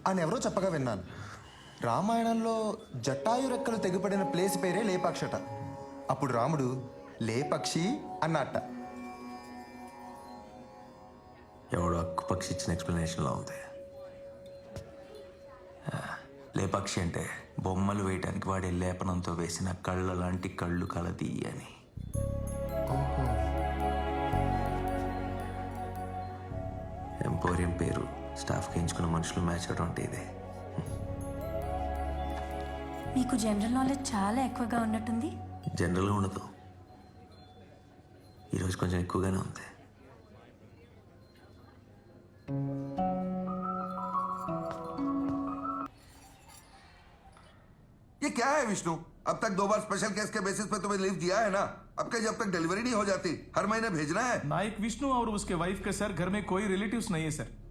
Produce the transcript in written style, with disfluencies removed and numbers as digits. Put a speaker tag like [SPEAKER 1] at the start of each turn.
[SPEAKER 1] అని ఎవరో చెప్పగా విన్నాను. రామాయణంలో జటాయు రెక్కలు తెగిపడిన ప్లేస్ పేరే లేపాక్షట. అప్పుడు రాముడు లేపక్షి అన్నట్ట.
[SPEAKER 2] ఎవడో అక్కు పక్షి ఇచ్చిన ఎక్స్ప్లెనేషన్లో ఉంది. లేపక్షి అంటే బొమ్మలు వేయటానికి వాడే లేపనంతో వేసిన కళ్ళ లాంటి కళ్ళు కలది అని. ఎంపోరియం పేరు స్టాఫ్కి ఎంచుకున్న మనుషులు మ్యాచ్ అవడం అంటే ఇదే.
[SPEAKER 3] మీకు జనరల్ నాలెడ్జ్ చాలా ఎక్కువగా ఉన్నట్టుంది.
[SPEAKER 2] జనరల్గా ఉండదు, ఈరోజు కొంచెం ఎక్కువగానే ఉంది.
[SPEAKER 4] ये क्या है विष्णु? अब तक 2 बार स्पेशल केस के बेसिस पे तुम्हें लीव दिया है ना? अब के जब तक डिलीवरी नहीं हो जाती हर महीने भेजना है.
[SPEAKER 5] नायक विष्णु और उसके वाइफ के सर घर में कोई रिलेटिव्स नहीं है सर.